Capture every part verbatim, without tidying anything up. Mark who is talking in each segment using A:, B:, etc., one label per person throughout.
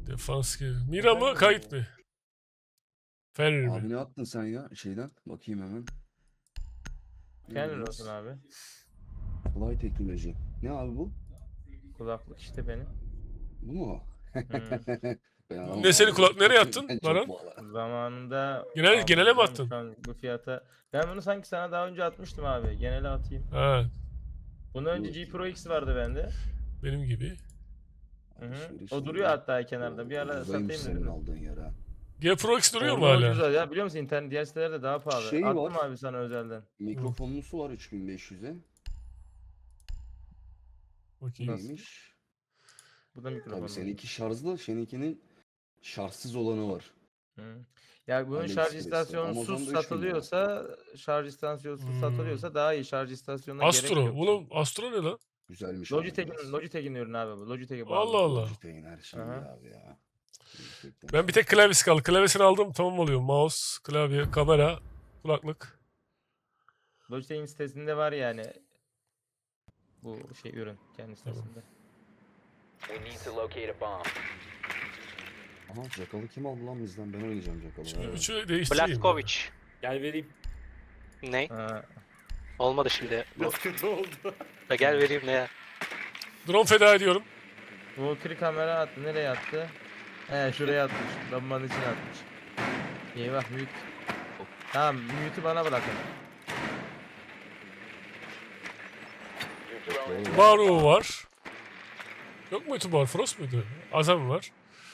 A: Defans gibi. Mira mı kayıt mı? Ferri
B: Abi
A: mi?
B: ne attın sen ya şeyden? Bakayım hemen.
C: Kendin
B: Neymiş?
C: olsun abi.
B: Fly teknoloji. Ne abi bu?
C: Kulaklık işte benim.
B: Bu mu?
C: Hmm.
B: Ben alamam
A: Ne senin
B: abi.
A: kulak nereye attın
B: Ben çok
A: Baran?
B: pahalı.
C: Zamanında
A: Genel,
C: aldım
A: genele mi
C: canım,
A: attın?
C: şu an bu fiyata. Ben bunu sanki sana daha önce atmıştım abi. Genele atayım.
A: Ha,
C: Bundan önce
B: Bu
C: G Pro X vardı bende.
A: benim gibi.
C: Hı hı.
B: alışveriş
C: O duruyor
B: dedi.
C: hatta kenarda. Bir ara
B: Ucuzaymış
C: satayım
B: senin
C: dedim.
B: aldığın yer ha.
A: G Pro X duruyor mu
C: Orada
A: hala?
C: ucuz ya, biliyor musun, internet diğer sitelerde daha pahalı.
B: Şey
C: Attım
B: var.
C: abi sana özelden.
B: Mikrofonlusu var üç bin beş yüze. Bu
A: Bakayım.
C: Nasıl?
B: neymiş?
C: Bu da mikrofon.
B: Tabii seninki şarjlı, seninkinin şarjsız olanı var.
C: Hı. Ya bunun şarj
B: AliExpress'te.
C: istasyonsuz
B: Amazon'da üç bin lira.
C: satılıyorsa, şarj istasyonsuz
A: Hmm.
C: satılıyorsa daha iyi. Şarj istasyonuna gerek
A: Astro.
C: yok.
A: Oğlum Astro ne lan?
B: Güzelmiş ama
C: Logitech'in
B: biraz.
C: Logitech'in ürünü abi bu. Logitech'e bağlı.
A: Allah Allah.
B: Logitech'in her şeyi
C: Aha.
B: ya abi ya. Gerçekten
A: Ben bir
B: şey.
A: tek klavyesi kaldı. Klavyesini aldım tamam oluyor. Mouse, klavye, kamera, kulaklık.
C: Logitech'in sitesinde var yani bu şey ürün kendi
A: Tamam.
C: sitesinde.
D: We need to locate a bomb.
B: Aha Jackal'ı kim aldı lan bizden? Ben oynayacağım Jackal'ı.
A: Şimdi
B: Evet.
A: üçü değiştireyim. ya.
E: Blaskovic.
F: Gel vereyim.
E: Ne?
C: Ha,
E: Olmadı şimdi.
F: Biraz kötü oldu.
E: Ya gel vereyim ne ya?
A: Drone feda ediyorum.
C: Valkyrie kamera attı. Nereye attı? He şuraya atmış. Lambanın içine atmış. Eyvah mute. Tamam mute'u bana bırakın.
D: Your drone is
A: Baru var. Yok muydu Bar? Frost muydu? Azam var.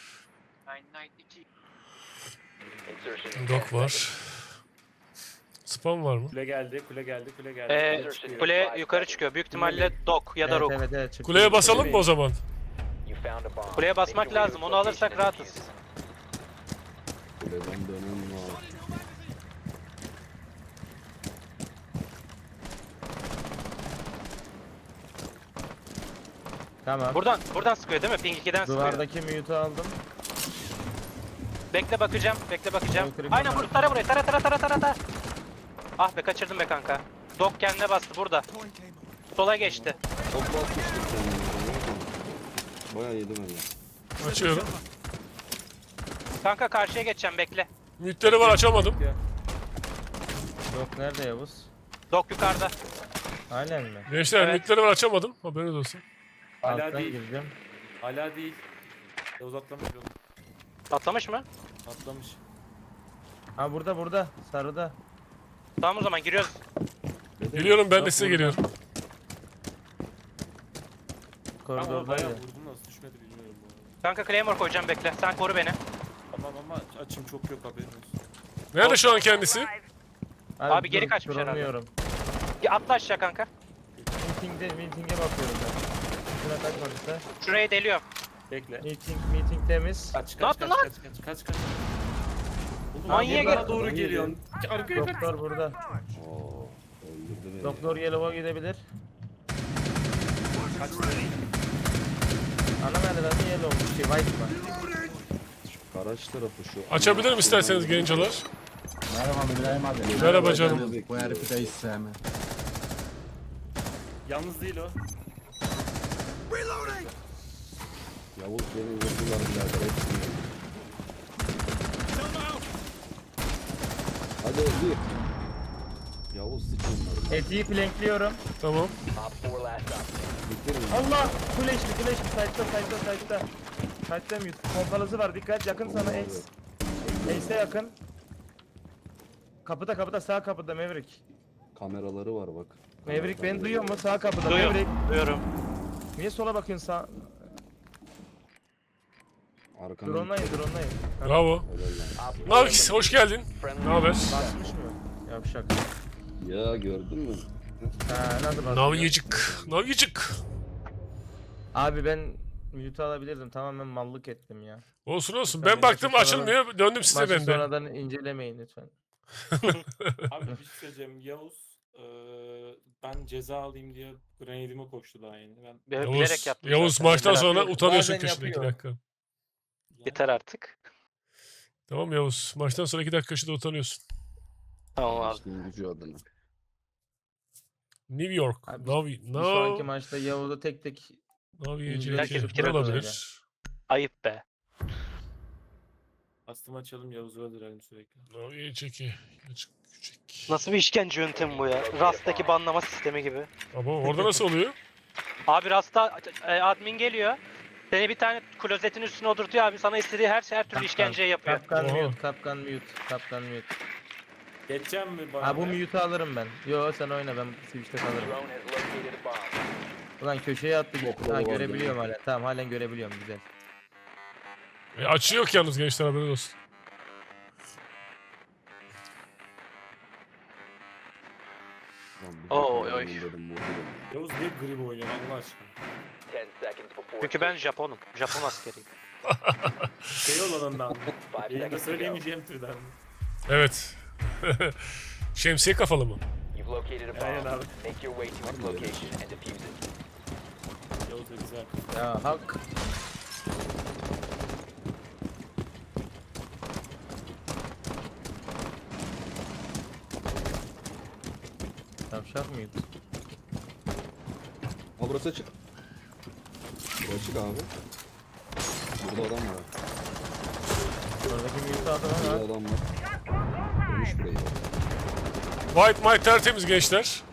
D: insertion. in
A: Dok
D: ten
A: var.
D: seconds.
F: Spam
A: var mı?
F: Kule geldi, kule geldi, kule geldi.
E: Ee,
F: Kule çıkıyor.
E: kule yukarı çıkıyor. Büyük ihtimalle dok ya da
C: Evet
E: rok.
C: evet evet. çıktı.
A: Kuleye basalım mı o zaman?
D: You found a bomb.
E: Kuleye basmak
D: Make your way
E: lazım,
D: to
E: onu
D: its
E: alırsak
D: location and
E: rahatız.
D: defuse it.
B: Kuleden dönen var.
C: Tamam.
E: Buradan, buradan sıkıyor değil mi? Ping ikiden sıkıyor.
C: Duvardaki mute'u aldım.
E: Bekle bakacağım, bekle bakacağım.
C: Yukarı
E: Aynen
C: kamera.
E: vur, tara buraya, tara tara tara tara tara. Ah be kaçırdım be kanka. Dok kendine bastı burada. Sola geçti.
B: Çok basmıştım kendime. Bayağı yedim öyle.
A: Açıyorum.
E: Kanka karşıya geçeceğim bekle.
A: Mütleri var açamadım.
C: Yok nerede Yavuz?
E: Dok yukarıda.
C: Aynen mi?
A: Gençler
E: Evet.
A: mütleri var açamadım. Haberiniz olsun.
F: Hala
C: Alttan
F: değil.
C: gireceğim.
F: Hala değil. Yavuz atlamış oğlum.
E: Atlamış mı?
F: Atlamış.
C: Ha burada burada. Sarıda.
E: Tamam o zaman giriyoruz.
A: Geliyorum ben de
C: Yok,
A: size
C: burada.
A: geliyorum.
F: Ama bayağı
C: Koridordaydı.
F: vurdum nasıl düşmedi bilmiyorum bu arada.
E: Kanka Claymore koyacağım bekle. Sen koru beni.
F: Tamam ama açım çok yok haberin olsun.
A: Nerede şu an kendisi?
E: Abi geri
C: dur,
E: kaçmış herhalde.
C: duramıyorum.
E: Ya atla aşağı kanka.
C: Meeting'de, meeting'e bakıyorum ben. Şuna kaçmadıysa.
E: Şurayı deliyorum.
F: Bekle.
C: Meeting, meeting temiz.
F: Kaç kaç
E: Ne yaptın
F: kaç,
E: lan?
F: kaç kaç kaç kaç. Oğlum
E: Manyağa
F: abi bana
E: gel-
F: doğru geliyorsun. Arkaya kaç.
C: Doktor burada.
B: Oo, öldürdü beni.
C: Doktor Yellow'a gidebilir.
F: Kaç.
C: Ana merdivende Yellow. Şey White var.
B: Garaj tarafı şu.
A: Açabilirim isterseniz gencolar.
G: Merhaba İbrahim abi.
A: Merhaba canım.
G: Bu herifi de hiç sevmem.
F: Yalnız değil o.
B: Yavuz beni vurdular birader hepsini. Hadi öldü. Yavuz sıç onları.
C: Etiği plankliyorum.
A: Tamam.
D: Op four last op.
B: Bitirin.
C: Allah! Flash'li flash'li. Side'da side'da side'da. Side'da mute. Pompalısı var. Dikkat yakın sana
B: Abi.
C: Ace. Ace'e yakın. Kapıda kapıda sağ kapıda Maverick.
B: Kameraları var bak.
C: Maverick beni duyuyor mu? Sağ kapıda
E: Duyuyorum.
C: Maverick.
E: Duyuyorum.
C: Niye sola bakıyorsun sağ?
B: Arkanın
C: Drone'layın drone'layın.
A: Bravo. Navkis hoş geldin.
D: Friendly.
A: Ne haber?
C: Basmış mı? Yavşak.
B: Ya gördün mü?
C: Ha nasıl basıyor?
A: Navyacık. Navyacık.
C: Abi ben mute alabilirdim. Tamamen mallık ettim ya.
A: Olsun olsun.
C: Lütfen
A: Ben
C: beni
A: baktım
C: maçı
A: açılmıyor. Döndüm size
C: Maçı
A: ben de.
C: sonradan incelemeyin lütfen.
F: Abi bir şey söyleyeceğim. Yavuz eee, ben ceza alayım diye grenadime koştu daha yeni. Ben
E: Bi-
A: Yavuz,
E: Bilerek yaptım.
A: Yavuz
E: zaten.
A: maçtan
E: Bilerek.
A: sonra
C: yapıyor.
A: utanıyorsun
C: Bazen
A: köşede iki
C: yapıyor.
A: dakika.
E: Yeter artık.
A: Tamam Yavuz. Maçtan sonra iki dakika köşede utanıyorsun.
E: Tamam abi.
B: İşin gücü adına.
A: New York.
C: Abi,
A: Navi.
C: Bir sonraki
A: No.
C: maçta Yavuz'u tek tek
A: Naviye
C: Herkes
A: C T.
E: fikir
A: Ne
E: atıyor
A: olabilir?
E: Ayıp be.
F: Kastım açalım Yavuz'u öldürelim sürekli.
A: O iyi çeki. Küçük. küçük.
E: Nasıl bir işkence yöntemi bu ya? Rust'taki banlama sistemi gibi.
A: Ama orada nasıl oluyor?
E: Abi Rust'ta e, admin geliyor. Seni bir tane klozetin üstüne oturtuyor abi. Sana istediği her her türlü işkenceyi yapıyor.
C: Kapkan
A: Oha.
C: mute, kapkan mute, kapkan mute.
F: Geçeceğim mi bana?
C: Ha bu mute'u alırım ben. Yo sen oyna ben switch'te kalırım.
D: Drone has located a bomb.
C: Ulan köşeye attı.
B: Okula
C: Ha
B: var
C: görebiliyorum hala. Tamam halen görebiliyorum güzel.
A: E, açı yok yalnız gençler, haberiniz olsun.
B: Lan bir
E: Oy,
B: dakika
E: oy.
B: ben dedim, vurdum.
F: Yavuz niye grip oynuyor Allah aşkına?
D: Ten seconds before.
E: Çünkü ben Japonum. Japon askeriyim.
F: Şey olanından.
D: Five
F: Yayında
D: seconds to go.
F: söyleyemeyeceğim türden. mi?
A: Evet. Şemsiye kafalı mı?
D: You've located a
F: Aynen
D: bomb.
F: abi.
D: Make your way to its location and defuse it.
F: Yavuz da güzel.
C: Ya hak. Tavşak mıydı?
B: Ha burası açık. Burası açık abi. Burada adam var.
C: Oradaki mute'u aldım ama.
B: Burada adam var. Dönmüş burayı.
A: White Mike tertemiz gençler.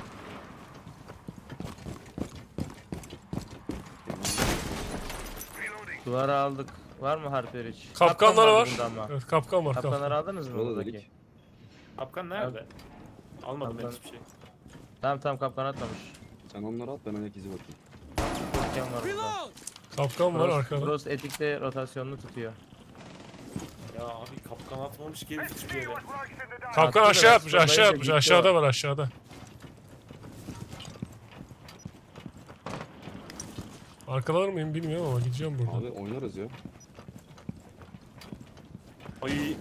C: Duvara aldık. Var mı harfler hiç?
A: Kapkanlar
C: Kapkan
A: var.
C: vardı bunda ama.
A: Evet, kapkan var. Kapkan.
C: Kapkanları aldınız mı
B: Burada
C: buradaki?
B: dedik.
F: Kapkan nerede? Almadım ben
C: Kapkan.
F: hiçbir şey.
C: Tamam tamam kapkan atmamış.
B: Sen onları at, ben ayak izi bakayım.
C: Kapkan var burada.
A: Kapkan var
C: Frost,
A: arkada.
C: Frost etikte rotasyonunu tutuyor.
F: Ya abi kapkan atmamış ki herif hiçbir yere.
A: Kapkan
C: Attı da
A: aşağı
C: ben
A: atmış, aşağı
C: sıfırlayınca
A: atmış.
C: gitti
A: Aşağıda
C: o.
A: var, aşağıda. Arkalar mıyım bilmiyorum ama gideceğim buradan.
B: Abi oynarız ya.
F: Ay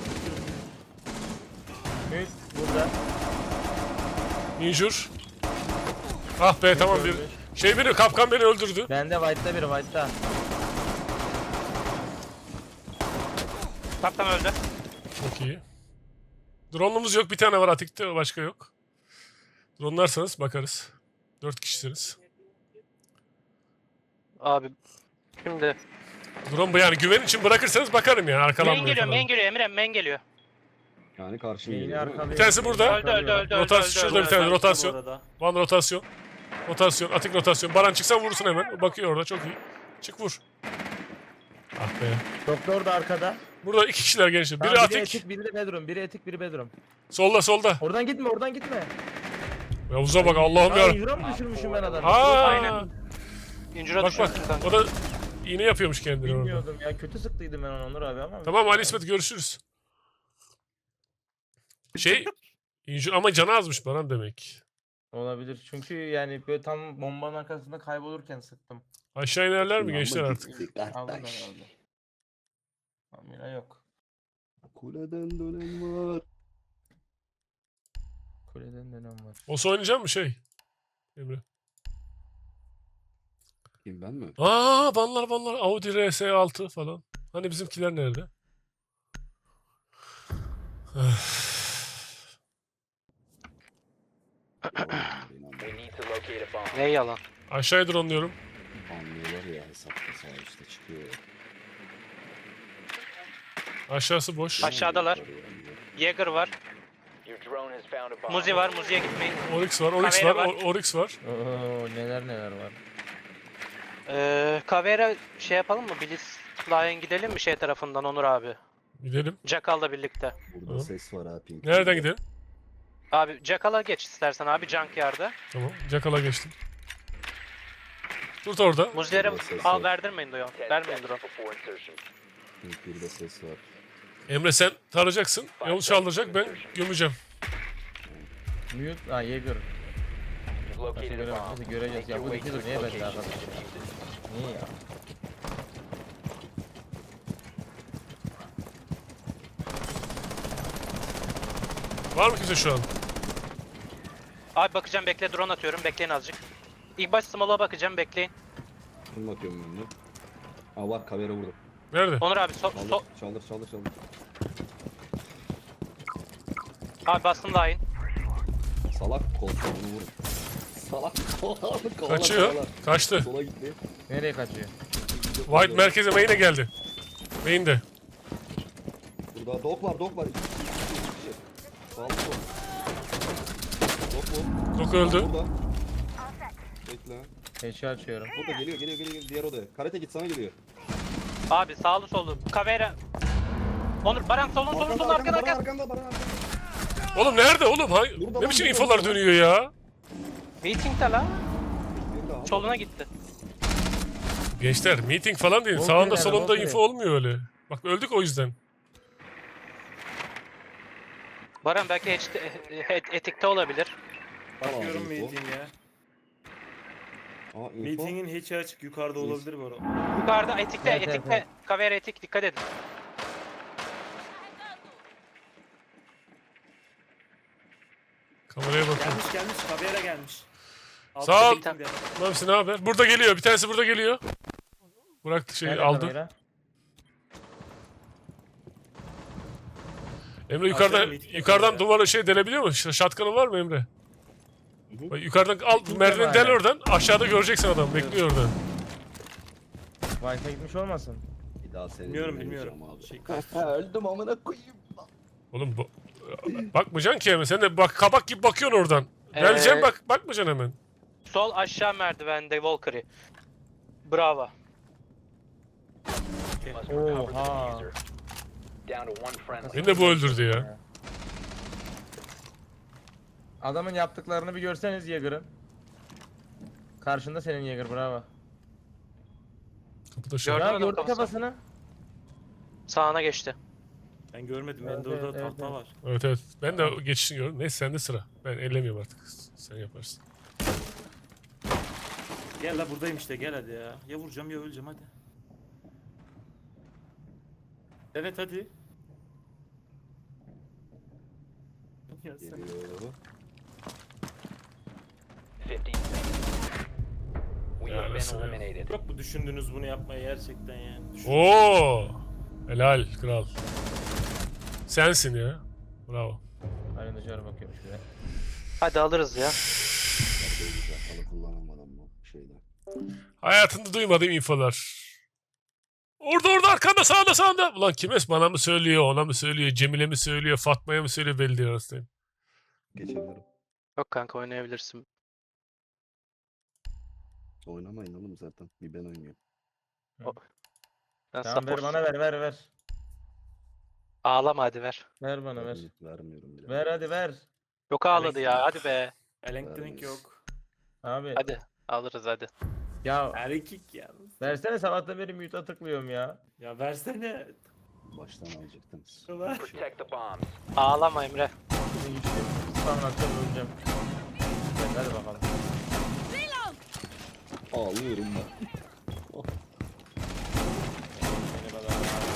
C: Mute burada.
A: Injur. Ah be tamam bir.
C: Ölmüş.
A: Şey biri, kapkan beni öldürdü.
C: Bende white'da biri white'da.
E: Kaptan öldü.
A: Çok iyi. Drone'umuz yok, bir tane var atikte, başka yok. Drone'larsanız bakarız. Dört kişisiniz.
E: Abi şimdi
A: Drone bu yani, güven için bırakırsanız bakarım yani,
E: main
A: arkalanmıyor
E: geliyor,
A: falan.
E: main geliyor Emre, main geliyor.
B: Yani karşı
C: Yeni
B: geliyor değil mi?
C: arkalıyor.
A: Bir tanesi burada.
E: Öldü, öldü, öldü, öldü,
A: Rotasyon
E: öldü,
A: şurada bir tane
F: özellikle bu
A: rotasyon.
F: arada.
A: One rotasyon. Rotasyon, atik rotasyon. Baran çıksan vurursun hemen. O bakıyor orada, çok iyi. Çık vur. Ah be.
C: Doktor da arkada.
A: Burada iki kişiler gençler. Biri
C: Tamam, biri
A: atik.
C: etik, biri de bedroom. Biri etik, biri bedroom.
A: Solda solda.
C: Oradan gitme, oradan gitme.
A: Yavuz'a bak, Allah'ım
C: Aa,
A: ya.
C: yura mı düşürmüşüm ben adamı?
A: Aa.
E: Aynen. İncir'e
A: Bak bak.
E: düşürsün kanka.
A: O da iğne yapıyormuş kendine orada.
C: Bilmiyordum ya. Kötü sıktıydım ben onu Onur abi ama.
A: Tamam Ali İsmet, görüşürüz. Şey, injur ama canı azmış Baran demek.
C: Olabilir. Çünkü yani böyle tam bombanın arkasında kaybolurken sıktım.
A: Aşağı inerler mi
B: Ulan
A: gençler
B: bu
A: artık?
B: gitti
C: Aldım ben
B: kardeş.
C: aldım. Amira yok.
B: Kuleden dönen var.
C: Kuleden dönem var.
A: Olsa oynayacak mı şey? Emre.
B: Kim, ben mi?
A: Aa banlar banlar. Audi R S altı falan. Hani bizimkiler nerede?
D: We need to locate a bomb.
E: Ne yalan.
A: Aşağıya drone'luyorum.
B: Anlıyorlar ya, hesapta sağ üstte çıkıyor.
A: Aşağısı boş.
E: Aşağıdalar. Jäger var.
D: Your drone has found a bomb.
E: Muzi var, Muzi'ye gitmeyin.
A: Oryx var, Oryx
E: Kamera
A: var,
E: var.
A: O- Oryx var.
C: Oo neler neler var.
E: Ee, Kavera şey yapalım mı? Blitz Lion gidelim mi şey tarafından Onur abi?
A: Gidelim.
E: Jackal'la birlikte.
B: Burada
A: Tamam.
B: ses var ha, pink.
A: Nereden gidelim?
E: Abi Jackal'a geç istersen abi Junkyard'a.
A: Tamam. Jackal'a geçtim. Tut orada.
E: Muzi'lere
B: Ses
E: al
B: var.
E: verdirmeyin diyor.
D: Ten
E: Vermeyin
D: seconds
E: drone.
D: before insertion.
B: Pink bir de ses var.
A: Emre sen tarayacaksın. Yavuz çaldıracak, ben gömeceğim.
C: Mute. Aa Jäger.
D: You've
C: Nasıl
D: located a
C: göre
D: bomb.
C: nasıl göreceğiz
D: Make
C: ya.
D: your
C: Bu
D: way to
C: iki dur
D: its
C: niye bende
D: location and
C: arkadaş?
D: defuse it.
C: Niye ya?
A: Var mı kimse şu an?
E: Abi bakacağım, bekle, drone atıyorum, bekleyin azıcık. İlk baş small'a bakacağım, bekleyin.
B: Şunu bakıyorum ben de. Aa var, kavera vurdu.
A: Nerede?
E: Onur abi so,
B: Çaldır,
E: so
B: çaldır, çaldır, çaldır.
E: abi bastım line.
B: Salak kol, kolunu vurun. Salak kol, kovala,
A: Kaçıyor.
B: kovala.
A: Kaçtı.
B: Sola gitti.
C: Nereye kaçıyor?
A: White merkeze main'e geldi. Main'de.
B: Burada dog var, dog var. İki kişi, iki kişi, iki kişi. Sağlı sol. Dog mu?
A: Dok öldü.
B: Burada. Bekle.
C: Eşya açıyorum.
B: Burada geliyor, geliyor, geliyor, geliyor. Diğer odaya. Karate git, sana geliyor.
E: Abi sağlı sollu. Kavera. Onur Baran solun solun solun arkana
B: arkanda,
E: arkana.
B: arkanda, Baran arkanda.
A: Oğlum nerede oğlum? Hangi-
B: Burada
A: Ne
B: lan,
A: biçim
B: burada,
A: infolar
B: burada.
A: dönüyor ya?
E: Meeting'de la.
B: Nerede abi?
E: Soluna gitti.
A: Gençler meeting falan değil.
C: Volker
A: Sağında
C: nerede,
A: solunda
C: Volker?
A: info olmuyor öyle. Bak öldük o yüzden.
E: Baran belki hiç et- etikte olabilir.
F: Bakıyorum
B: Tamam, info.
F: meeting'e.
B: Aa, info.
F: Meeting'in hiç açık yukarıda olabilir bu arada.
E: Yukarıda etikte
C: Evet, evet,
E: etikte.
C: evet.
E: Kavera etik dikkat edin.
A: Kameraya bakın.
F: Gelmiş gelmiş. Kavera gelmiş.
A: Sağ ol.
F: meeting'de.
A: Mamsi ne haber? Burada geliyor. Bir tanesi burada geliyor. Bıraktı şeyi
C: Nerede
A: aldı.
C: kamera?
A: Emre yukarıdan
F: Aşağıda meeting
A: yukarıdan
F: yapıyor
A: duvara şey delebiliyor mu? Ş- Şatkanın var mı Emre?
B: Hı hı.
A: Bak, yukarıdan al
C: Meeting
A: merdiveni
C: var
A: del
C: hala.
A: oradan. Aşağıda göreceksin adam. Bekliyor orada.
C: Wi-Fi gitmiş olmasın?
B: Bir daha seni
F: Bilmiyorum
B: dinlemeyeceğim
F: bilmiyorum.
B: Abi.
F: Şey,
B: Öldüm amına koyayım.
A: Oğlum bu... Bakmayacaksın ki hemen. Sen de bak kabak gibi bakıyorsun oradan.
E: Ee,
A: Geleceksin bak. Bakmayacaksın hemen.
E: Sol aşağı merdivende Valkyrie. Bravo.
D: Must recover the
C: Oha.
D: diffuser. Down to one friendly.
A: Beni de bu öldürdü ya.
C: Adamın yaptıklarını bir görseniz Yeager'ın. Karşında senin Yeager, bravo.
A: Kapıda şey.
E: Gördün
C: Ya
E: mü
C: gördü
E: kafasını?
C: kafasını.
E: Sağına geçti.
F: Ben görmedim.
C: Evet,
F: Bende orada
C: evet, evet,
F: tahta
C: evet.
F: var.
A: Evet evet. Ben de geçişini gördüm. Neyse sende sıra. Ben ellemiyorum artık. Sen yaparsın.
F: Gel la buradayım işte gel hadi ya. Ya vuracağım ya öleceğim hadi. Evet hadi. Ya sen-
B: Geliyor.
D: fifteen seconds. We
A: Ya
D: have
A: nasıl
D: been
A: ya?
D: eliminated.
F: Çok mu düşündünüz bunu yapmayı gerçekten yani? Düşün-
A: Oo! Helal kral. Sensin ya. Bravo.
C: Aynen dışarı bakıyormuş bir de.
E: Hadi alırız ya.
B: Çok güzel. Halı kullanamadım bu şeyde.
A: Hayatında duymadığım infolar. Orada orada arkanda sağda sağda. Ulan kimes bana mı söylüyor, ona mı söylüyor, Cemile mi söylüyor, Fatma'ya mı söylüyor belli değil arasındayım.
B: Geçebilirim.
E: Yok kanka oynayabilirsin.
B: Oynamayın oğlum zaten. Bir ben oynuyorum.
E: Ben
C: Tamam ver
E: support.
C: bana ver ver ver.
E: Ağlama hadi ver.
C: Ver bana ver.
B: Vermiyorum bile.
C: Ver hadi ver.
E: Yok ağladı ya hadi be.
F: Elektrik yok.
C: Abi.
E: Hadi alırız hadi.
C: Ya
F: Erkek ya.
C: versene, sabahtan beri mute'a tıklıyorum ya.
F: Ya versene.
B: Baştan alacaktınız.
F: Ulan.
D: Protect the bombs.
E: Ağlama Emre.
C: Şimdi güçlüyüm. Spam atacağım, öleceğim. Evet, hadi bakalım.
B: Ağlıyorum ben.
C: Beni bana.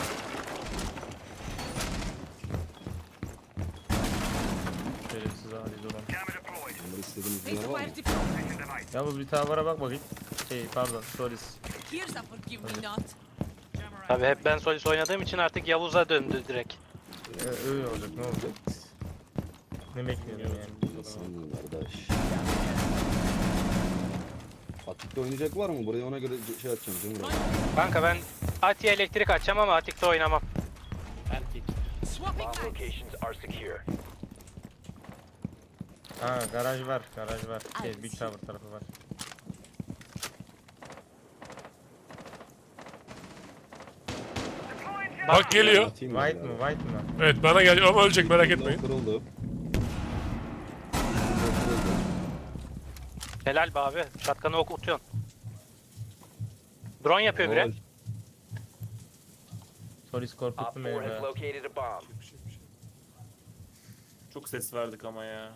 C: Şerefsiz hadi durun.
B: Bunları istediğiniz bir yer var mı?
C: Ya bu bir tavara bak bakayım. Şey pardon, Solis.
H: Here's a forgive me not.
E: Tabii hep ben Solis oynadığım için artık Yavuz'a döndü direkt.
C: Ee, öyle olacak, ne olacak? Ne bekliyordun yani?
B: Nasılsın kardeş? Atik'te oynayacak var mı? Buraya ona göre şey atacağım. Cemil abi.
E: Kanka ben Atiye elektrik açacağım ama Atik'te oynamam.
F: Erkek.
H: Swapping
D: Bomb
H: back.
D: locations are secure.
C: Ha garaj var, garaj var. Şey Big Tower tarafı var.
A: Bak geliyor.
B: Atayım mı
C: White
B: bir
C: mı,
B: daha?
C: white mı?
A: Evet bana geliyor ama ölecek merak
B: Window
A: etmeyin.
B: Kırıldı. Window kırıldı.
E: Helal be abi. Şatkanı okutuyorsun. Drone yapıyor biri.
B: Gol.
C: Solis
D: Op
C: korkuttu
D: four
C: beni
D: has
C: be.
D: located a bomb.
F: Çok ses verdik ama ya.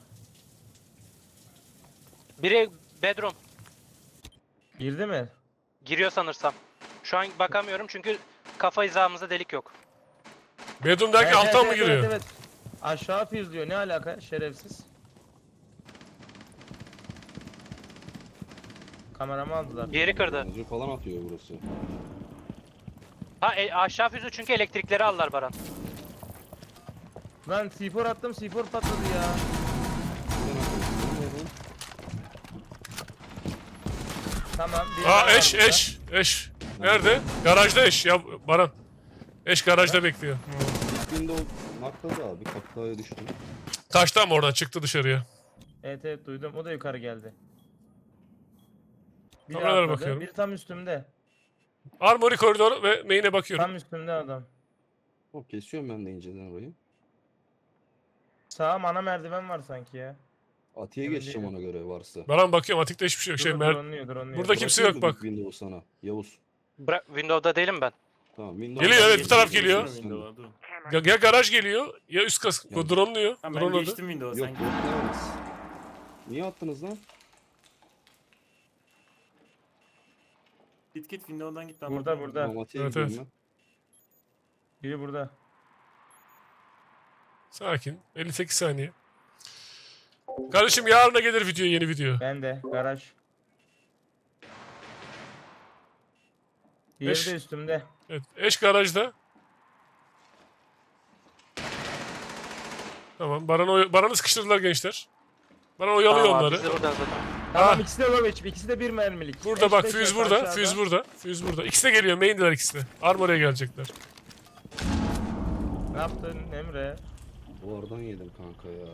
E: Biri bedroom.
C: Girdi mi?
E: Giriyor sanırsam. Şu an bakamıyorum çünkü kafa hizamızda delik yok.
A: Bedroom derken
C: Evet,
A: alttan
C: evet,
A: mı giriyor?
C: Evet, evet. Aşağı füzlüyor, ne alaka şerefsiz. Kameramı aldılar.
E: Diğeri kırdı.
B: Yanıcı falan atıyor burası.
E: Ha e, aşağı füzü çünkü elektrikleri aldılar Baran.
C: Lan C four attım, C four patladı ya.
B: Neden atıyorsun?
C: Tamam. biri
A: Aa
C: daha var
A: eş
C: burada.
A: eş eş. Nerede? Garajda eş ya Baran. Eş garajda bekliyor.
B: window nakladı abi. Kapıya düştü.
A: Taştan mı oradan çıktı dışarıya?
C: Evet evet duydum. O da yukarı geldi. Biri
A: Kameralara
C: atladı,
A: bakıyorum.
C: Biri tam üstümde.
A: Armory koridoru ve main'e bakıyorum.
C: Tam üstümde adam.
B: O kesiyorum ben de inceden orayı.
C: Sağım ana merdiven var sanki ya.
B: Atiye
C: Emin
B: geçeceğim
C: değilim.
B: ona göre varsa.
A: Baran bakıyorum, atikte hiçbir şey yok. Şey,
C: Dur,
A: mer-
C: drone'luyor, drone'luyor.
A: Burada kimse yok
B: Bırakayım
A: bak.
B: mı Windows sana. Yavuz.
E: Bıra- Windows'da değilim ben.
B: Tamam Windows.
A: Geliyor, evet, bu taraf
F: Geçtim,
A: geliyor.
F: geçtim Windows'a, dur.
A: Ya, ya garaj geliyor ya üst kas
B: Ya-
A: drone'luyor.
F: Tamam ben
A: Drone'ladı.
F: geçtim Windows'a.
B: Yok
F: Sen
B: yok denemez. Niye attınız lan?
F: git git Windows'dan git. ben
C: Burada,
F: bakarım.
C: burada.
B: Tamam Atiye
A: Evet,
B: gidiyorum
A: evet.
C: Biri burada.
A: Sakin. elli sekiz saniye. Kardeşim yarına gelir video, yeni video.
C: Ben de. Garaj. Diğeri
A: Beş.
C: de üstümde.
A: Evet, eş garajda. Tamam, Baran'ı, oy- Baran'ı sıkıştırdılar gençler. Baran oyalıyor
E: Tamam abi,
A: onları.
E: biz de buradan zaten.
C: Tamam
A: Ha.
C: ikisi de low H P. İkisi de bir mermilik.
A: Burada
C: Beş,
A: bak,
C: beş
A: füz
C: metre
A: burada,
C: aşağıda.
A: füz burada, füz burada. İkisi de geliyor, main'diler ikisi de. Armory'e gelecekler.
C: Ne yaptın Emre?
B: Bu aradan yedim kanka ya.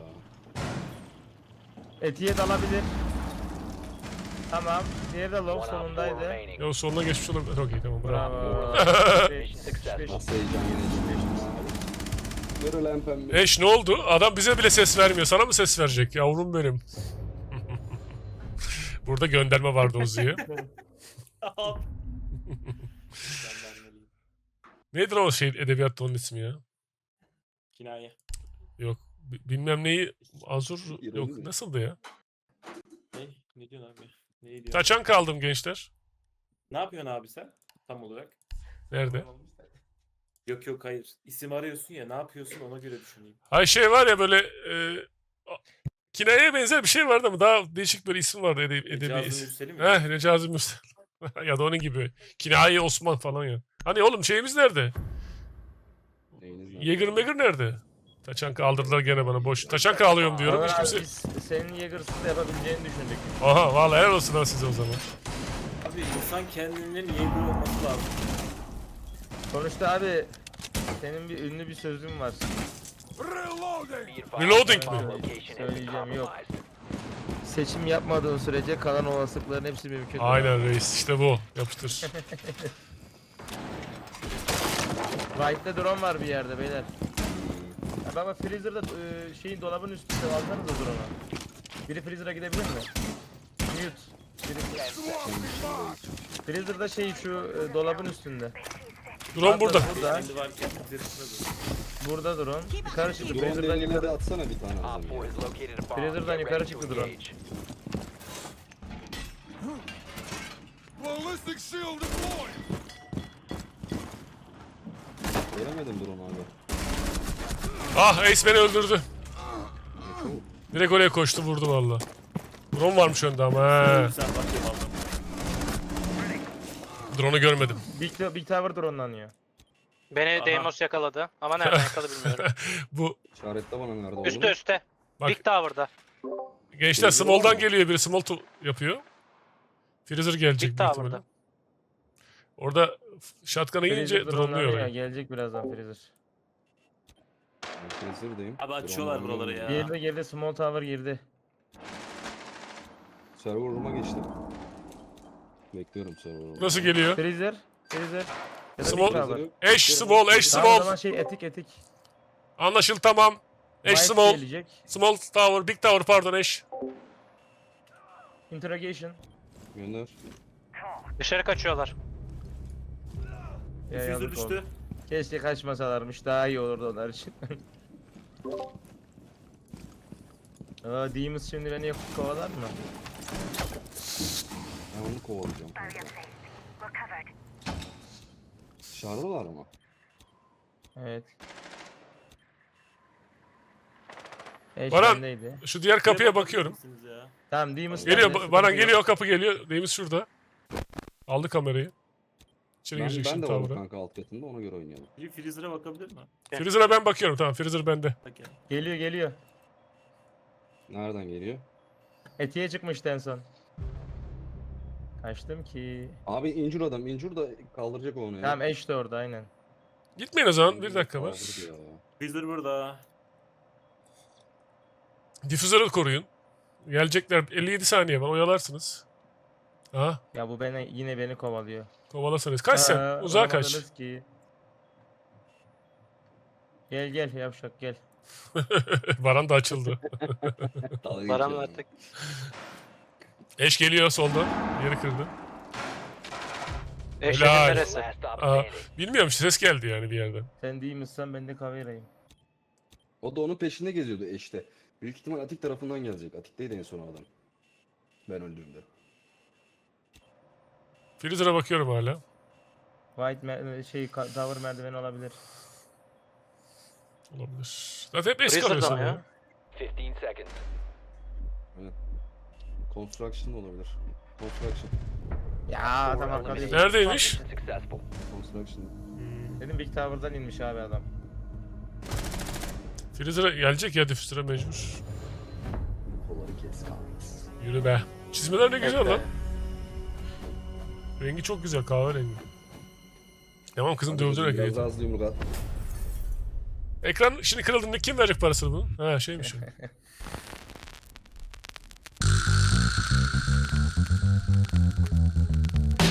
C: Etiye dalabilir. Tamam. Diğeri de
D: One
C: low
D: op four
C: solundaydı.
D: remaining.
A: Ya o sonuna geçmiş olabilir. Okey, tamam, bravo.
C: Bravo.
D: Mission successful.
B: Nasıl heyecan yeneceğim. Görülen pembe.
A: Eş ne oldu? Adam bize bile ses vermiyor. Sana mı ses verecek yavrum benim? Burada gönderme vardı Ozu'ya.
F: Ben vermeliyim.
A: Nedir o şey edebiyatta onun ismi ya?
F: Kinaye.
A: Yok. bi- Bilmem neyi. Azur
B: İroni
A: yok.
B: mi?
A: Nasıldı ya?
F: Ne? Ne diyorsun abi? Ne diyorsun?
A: Taçan kaldım gençler.
F: Ne yapıyorsun abi sen? Tam olarak.
A: Nerede?
F: Yok yok hayır. İsim arıyorsun ya ne yapıyorsun ona göre düşüneyim.
A: Hay şey var ya böyle e, a- kinayeye benzer bir şey vardı ama daha değişik bir isim vardı edebi, edebi
F: Ecazı
A: isim.
F: Mürseli mi?
A: Heh, Recazi Mürsel. Ya da onun gibi. Kinaye Osman falan ya. Hani oğlum şeyimiz nerede?
B: Neyiniz lan?
A: Yeager Megger nerede? Taçan kaldırdılar gene bana boş. Taçan alıyorum diyorum.
C: Ömer
A: Hiç
C: abi
A: kimse...
C: biz senin Jaeger'sız da yapabileceğini düşündük.
A: Aha vallahi helal olsun lan size o zaman.
F: Abi insan kendinin Jaeger olması lazım.
C: Sonuçta abi senin bir ünlü bir sözün var.
D: Be advised,
A: Reloading
D: bomb
A: mi?
D: location has been
C: Söyleyeceğim, yok.
D: compromised.
C: Seçim yapmadığın sürece kalan olasılıkların hepsi mümkün.
A: Aynen reis işte bu. Yapıştır.
C: Right'te drone var bir yerde beyler. Ya baba freezer'da e, şeyin dolabın üstünde alsanıza drone'u. Biri freezer'a gidebilir mi? Mute. Biri... Freezer'da şey şu e, dolabın üstünde.
A: Drone burada.
C: Burada.
F: Kendi varken üzerinde dur.
C: Burada drone. Yukarı çıktı.
B: Drone
C: Freezer'dan
B: deliğine de
C: yukarı.
B: atsana bir tane
D: Op
B: adam
D: four
B: ya.
D: has located a bomb.
C: Freezer'dan
D: Get
C: yukarı
D: ready to
C: çıktı drone.
D: engage.
B: Göremedim drone abi.
A: Ah Ace beni öldürdü.
B: Çok.
A: Direkt oraya koştu vurdu valla. Drone varmış önde ama he.
F: Sen bakayım aldım.
A: Drone'u görmedim.
C: Big, Big Tower drone'lanıyor.
E: Beni
F: Aha.
E: Deimos yakaladı. Ama nereden yakaladı bilmiyorum.
A: Bu
B: İşaretle bana nerede olduğunu.
E: Üste üste.
A: Bak.
E: Big Tower'da.
A: gençler
B: Freezer
A: small'dan
B: var mı?
A: geliyor biri. Small to yapıyor. Freezer gelecek
E: Big
A: büyük
E: Tower'da.
A: ihtimalle. Orada shotgun'a gelince
C: Freezer
A: drone'luyor
C: drone'lanıyor ya.
A: orayı.
C: Gelecek birazdan freezer.
B: Ben Freezer'dayım.
F: Abi açıyorlar
B: Drone
F: buraları
B: var.
F: ya.
C: Girdi girdi small tower girdi.
B: Server room'a geçtim. Bekliyorum server room'a.
A: Burası geliyor.
C: Freezer. Freezer. Ya da
A: Small-
C: Big Tower.
B: yok.
A: Eş small, eş
C: Tamam, o zaman
A: small.
C: şey etik etik.
A: Anlaşıldı tamam. Eş
C: White
A: small.
C: gelecek.
A: Small tower, big tower pardon eş.
C: Interrogation.
B: Gönder.
E: Dışarı kaçıyorlar.
C: Ya
F: Füze
C: yazık
F: düştü.
C: oldu. Keşke kaçmasalarmış daha iyi olurdu onlar için. Aa, Demus şimdi beni yapıp kovalar mı?
B: Ben onu kovalayacağım. kanka. Dışarıdalar mı?
C: Evet. Eş
A: Baran.
C: bendeydi.
A: Şu diğer kapıya bakıyorum.
F: Misiniz ya?
C: Tamam Demus
A: Geliyor,
C: bende,
A: ba-
C: sıkıntı
A: Baran
C: yok.
A: geliyor, kapı geliyor. Deimiz şurada. Aldı kamerayı. İçeri
B: Ben,
A: girecek
B: ben
A: şimdi
B: de varım
A: tower'a.
B: kanka alt katında ona göre oynayalım.
F: Bir Freezer'a bakabilir mi?
A: Freezer'a ben bakıyorum tamam. Freezer bende.
F: Bak ya.
C: Geliyor geliyor.
B: Nereden geliyor?
C: Etiye çıkmıştı en son. Kaçtım ki.
B: Abi incir adam. incir da kaldıracak onu ya.
C: Tamam eş de orada aynen.
A: Gitmeyin o zaman. Bir dakika var.
B: Kaldırdı ya.
F: Freezer burada.
A: Difüzörü koruyun. Gelecekler. elli yedi saniye var. Oyalarsınız. Aha.
C: Ya bu beni yine beni kovalıyor.
A: Kovalasanız. Kaç sen?
C: Aa,
A: Uzağa kaç.
C: olamadınız ki. Gel gel yavşak gel.
A: Varan da açıldı.
B: Dalga
E: Baran
B: geçiyor.
E: artık.
A: Eş geliyor soldan. Yeri kırdı.
E: Eşeğin
A: Helal.
E: neresi?
D: Last stop
A: Aa,
D: standing.
A: bilmiyorum ses geldi yani bir yerden.
C: Sen değil misin ben de kaverayım.
B: O da onun peşinde geziyordu eşte. Büyük ihtimal Atik tarafından gelecek. Atik'teydi en son adam. Ben öldüğümde.
A: Freezer'a bakıyorum hala.
C: White mer- şey ka- tower merdiveni olabilir.
A: Olabilir. Zaten hep eş
E: Freezer'da
A: kalıyor
E: mı ya?
A: sanırım.
D: fifteen seconds.
B: Construction da olabilir. Construction.
C: Ya adam arkada.
A: Neredeymiş?
D: Mission successful.
B: Construction.
C: Dedim Big Tower'dan inmiş abi adam.
A: Freezer'a gelecek ya difüzöre mecbur.
B: Kolları kes kahretsin.
A: Yürü be. Çizmeler ne güzel
E: Bekle.
A: lan. Rengi çok güzel kahverengi. Tamam kızım dövdün
B: Biraz
A: ekranı.
B: daha hızlı yumruk at.
A: Ekran şimdi kırıldığında kim verecek parasını bunun? Ha şeymiş o.